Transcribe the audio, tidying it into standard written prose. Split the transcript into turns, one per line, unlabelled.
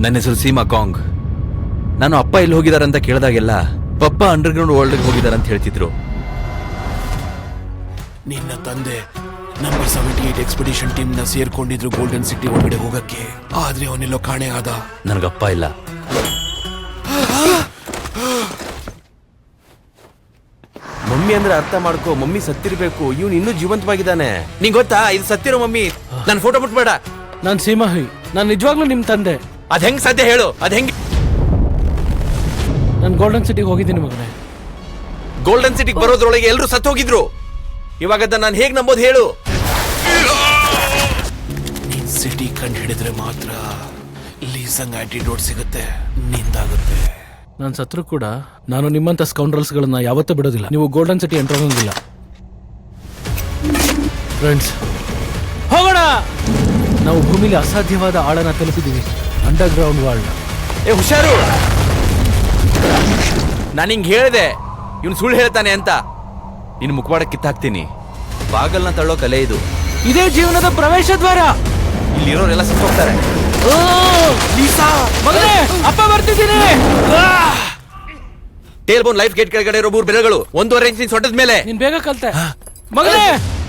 ನನ್ನ ಹೆಸರು ಸೀಮಾ ಕಾಂಗ್. ನಾನು ಅಪ್ಪ ಎಲ್ಲಿ ಹೋಗಿದಾರಂತ ಕೇಳಿದಾಗೆಲ್ಲ ಪಪ್ಪ ಅಂಡರ್ಗ್ರೌಂಡ್ ವರ್ಲ್ಡ್ಗೆ ಹೋಗಿದಾರಂತ ಹೇಳ್ತಿದ್ರು.
ನಿನ್ನ ತಂದೆ ನಂಬರ್ 78 ಎಕ್ಸ್ಪಿಡಿಷನ್ ಟೀಮ್ ನ ಸೇರ್ಕೊಂಡಿದ್ರು ಗೋಲ್ಡನ್ ಸಿಟಿ ಒಳಗಡೆ ಹೋಗಕ್ಕೆ. ಆದ್ರೆ ಅವನೆಲ್ಲೋ ಕಾಣೆ ಆದ.
ನನಗಪ್ಪ ಇಲ್ಲ.
ಮಮ್ಮಿ ಅಂದ್ರೆ ಅರ್ಥ ಮಾಡ್ಕೋ, ಮಮ್ಮಿ ಸತ್ತಿರ್ಬೇಕು, ಇವನು ಇನ್ನೂ ಜೀವಂತವಾಗಿದ್ದಾನೆ.
ನಿಂಗೆ ಗೊತ್ತಾ ಇದು ಸತ್ತಿರೋ ಮಮ್ಮಿ? ನನ್ನ ಫೋಟೋ ಮುಟ್ಬೇಡ.
ನಾನ್ ಸೀಮಾಹಿ, ನಾನ್ ನಿಜವಾಗ್ಲೂ ನಿಮ್ ತಂದೆ.
ಅದ್ ಹೆಂಗ್ ಸಾಧ್ಯ ಹೇಳು? ಅದ್ ಹೆಂಗ್?
ನಾನು ಗೋಲ್ಡನ್ ಸಿಟಿಗೆ ಹೋಗಿದ್ದೀನಿ ಮಗನೇ.
ಗೋಲ್ಡನ್ ಸಿಟಿಗೆ ಬರೋದ್ರೊಳಗೆ ಎಲ್ಲರೂ ಸತ್ತು ಹೋಗಿದ್ರು. ಇವಾಗ ನಾನು ಹೇಗ್ ನಂಬೋದು ಹೇಳು?
ನೀನ್ ಸಿಟಿ ಕಂಡು ಹಿಡಿದ್ರೆ ಮಾತ್ರ ಲೀಸಂಗ್ ಆಂಟಿಡೋಟ್ ಸಿಗುತ್ತೆ, ನಿಂದಾಗುತ್ತೆ.
ನಾನು ಸತ್ರು ಕೂಡ ನಾನು ನಿಮ್ಮಂತ ಸ್ಕೌಂಡ್ರಲ್ಸ್ ಗಳನ್ನ ಯಾವತ್ತೂ ಬಿಡೋದಿಲ್ಲ. ನೀವು ಗೋಲ್ಡನ್ ಸಿಟಿ ಎಂಟರ್ ಆಗೋಂಗಿಲ್ಲ. ಫ್ರೆಂಡ್ಸ್, ಹೋಗೋಣ. ನಾವು ಭೂಮಿಲಿ ಅಸಾಧ್ಯವಾದ ಆಳನ ತಲುಪಿದೀವಿ, ಅಂಡರ್ ಗ್ರೌಂಡ್ ವರ್ಲ್ಡ್.
ಏ ಹುಷಾರು, ನಾನು ಹಿಂಗ್ ಹೇಳಿದೆ ಇವ್ನು ಸುಳ್ಳು ಹೇಳ್ತಾನೆ ಅಂತ. ನಿನ್ ಮುಖವಾಡ ಕಿತ್ತಾಕ್ತೀನಿ. ಬಾಗಲ್ನ ತಳ್ಳೋ ಕಲೆ ಇದು.
ಇದೇ ಜೀವನದ ಪ್ರವೇಶ ದ್ವಾರ.
ಇಲ್ಲಿರೋರೆಲ್ಲ ಸತ್ತು ಹೋಗ್ತಾರೆ.
ಮಗನೇ, ಅಪ್ಪ ಬರ್ತಿದ್ದೀನಿ.
ಟೇಲ್ ಬೋನ್ ಲೈಫ್ ಗೇಟ್ ಕೆಳಗಡೆ ಇರೋ 3 ಬೆರಳುಗಳು 1.5 ಇಂಚಿನ ಸೊಟ್ಟದ ಮೇಲೆ.
ನೀನ್ ಬೇಗ ಕಲ್ತೆ ಮಗನೇ.